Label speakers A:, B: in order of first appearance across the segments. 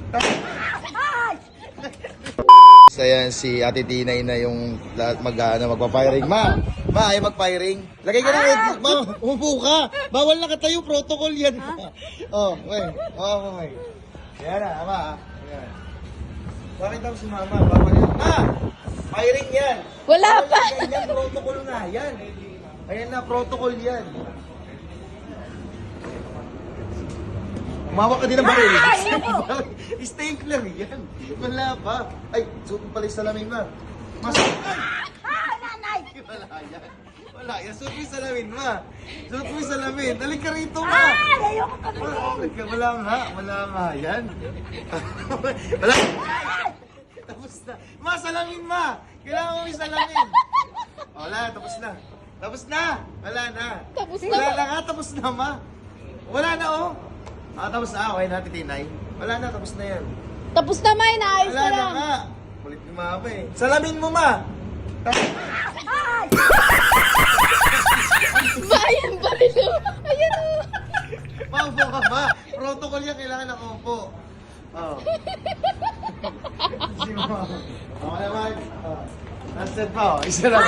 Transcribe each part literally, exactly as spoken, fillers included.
A: So yan, si Ate Tinay na yung lahat mag, ano, magpa-firing. Ma, ma, ay mag-firing. Lagay ka ng headset. Ma, umupo ka. Bawal na katayo, protocol yan. Oh, wait. Oh, okay. Yan na, ama. Yan. Bakit daw si mama? Bawal yan. Ma, firing yan.
B: Wala
A: Bawal
B: pa.
A: yan, yan, protocol nga. Yan. Ayan na, protocol yan. Umawak ka din ng baril. Stapler yan. Wala pa. Ay, suot mo pala yung salamin, ma. Mas...
B: Ah, nanay!
A: Wala yan. Wala yan. Suot mo yung salamin, ma. Suot mo yung salamin. Dalik ka rito, ma.
B: Ah, ayoko kami.
A: Wala, wala nga. Wala nga yan. Wala. Tapos na. Ma, salamin, ma. Kailangan mo yung salamin. Wala, tapos na. Tapos na. Wala na.
B: Tapos na
A: Wala
B: ba?
A: na nga, tapos na, ma. Wala na, oh. Ah, tapos na. Okay na, Tinay. Wala na, tapos na yan.
B: Tapos na, may naayos
A: Wala
B: ka
A: na
B: lang.
A: nga. Kulit ni mama eh. Salamin mo, ma.
B: Bayan pa rin o. Ayan o.
A: Paupo ka ba? Protocol yan, kailangan na upo. Oh. Si mama. Ako naman. Oh. Nasaan pa, oh. Isa lang.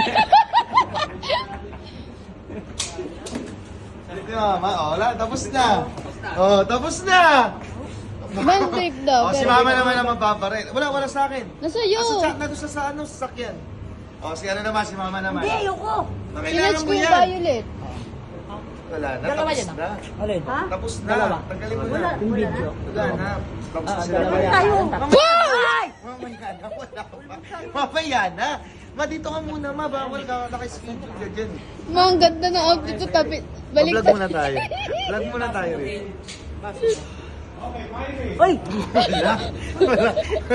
A: Salit ni mama. Oh, wala. Tapos na. Oh, tapos na.
B: Bandit daw.
A: Oh, si
B: pero-
A: mama naman ang mapaparel. Wala, wala sa akin.
B: Nasa iyo.
A: Ah, sa chat na doon sa, sa ano, sa sakyan. Oh, si ano naman, si mama naman.
B: Hindi, ayoko.
A: Oh,
B: Sinatch
A: kailangan
B: ko
A: mo
B: yung
A: yan.
B: violet.
A: Wala na,
C: Dalawa
A: tapos
C: yan, ah.
A: na.
C: Alin?
B: Ha?
A: Tapos na.
C: Dalawa.
A: Tanggalin mo
B: Wala.
A: na.
C: Yung video.
A: Wala na. Tapos na
C: Ah,
A: sila.
C: dalawa yan.
B: Tayo.
A: Mamaya. Mamaya na. Wala pa. Mamaya na. Ma, dito ka muna, ma. Bawal ka. Naka-schedule ka dyan.
B: Ma, ang ganda ng outfit ko. Tapi, balik
A: Vlog muna tayo. Vlog muna tayo rin.
C: Uy!
A: Wala. Wala.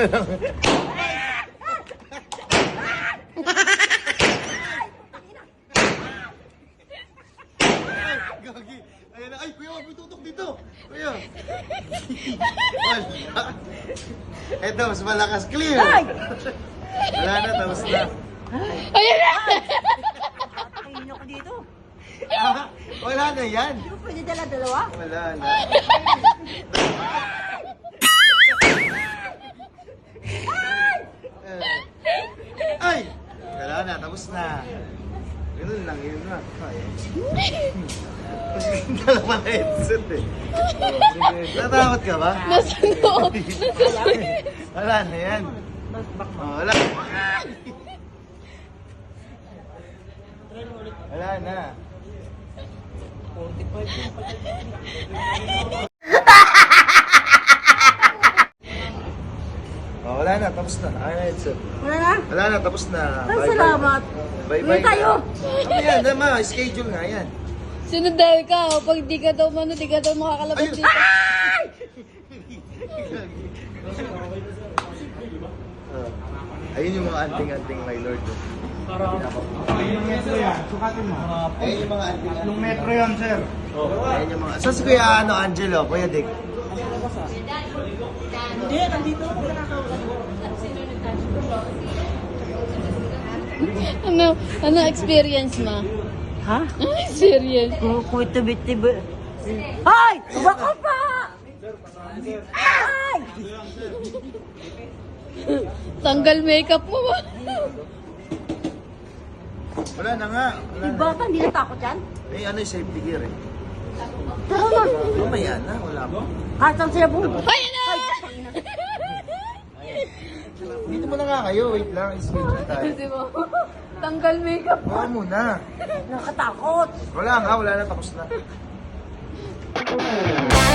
A: Gagi. Ayan na. Ay, kuya, wag mo tutok dito. Kuya. Wala. Eto, mas malakas. Clear. Wala na, tapos na.
B: Ayan na.
C: Kainin ako dito.
A: Ah, wala na yan.
C: Hindi ko pwede dala-dalawa.
A: Wala na. Eh. Ay! Wala na, tapos na. Ganun lang, yun na. Ay. Kasi dalawa na headset eh. Natakot ka ba?
B: Nasa loob. Nasa
A: Wala na yan. Oh, wala. Wala na. Oh, wala na, tapos na. Ay, na headset.
C: Wala na?
A: Wala na, tapos na.
C: Ay,
A: Bye-bye.
C: salamat.
A: Bye-bye.
C: Uwi tayo.
A: Ano yan, dama, schedule nga yan.
B: Sinundal ka. O, pag di ka daw mano, di ka daw makakalabas
A: Ayun.
B: dito.
A: Oh. Ayun yung mga anting-anting, my lord.
D: Ilang metro yan? Sukatin mo.
A: Ayun yung mga anting-anting.
D: Ilang metro yan, sir?
A: Ayun yung mga... Saan si Kuya ano, Angelo? Kuya Dick?
C: Hindi, nandito ako nakakausap.
B: Ano, ano experience ma?
C: Ha?
B: Ano experience?
C: Kukuitubit-tibit. Ay! Baka pa! Ay!
B: Tanggal makeup mo ba?
A: Wala na nga. Wala
C: Di
A: na.
C: ba ka hindi natakot yan?
A: Eh, ano yung safety gear eh?
C: Tara na!
A: Mamaya na, wala pa.
C: Kahit saan sila pumunta.
B: Ay, ano?
A: Dito mo na nga kayo, wait lang, schedule tayo.
B: Di ba? Tanggal makeup.
A: Wala muna.
C: Nakatakot.
A: Wala nga, wala na, tapos na.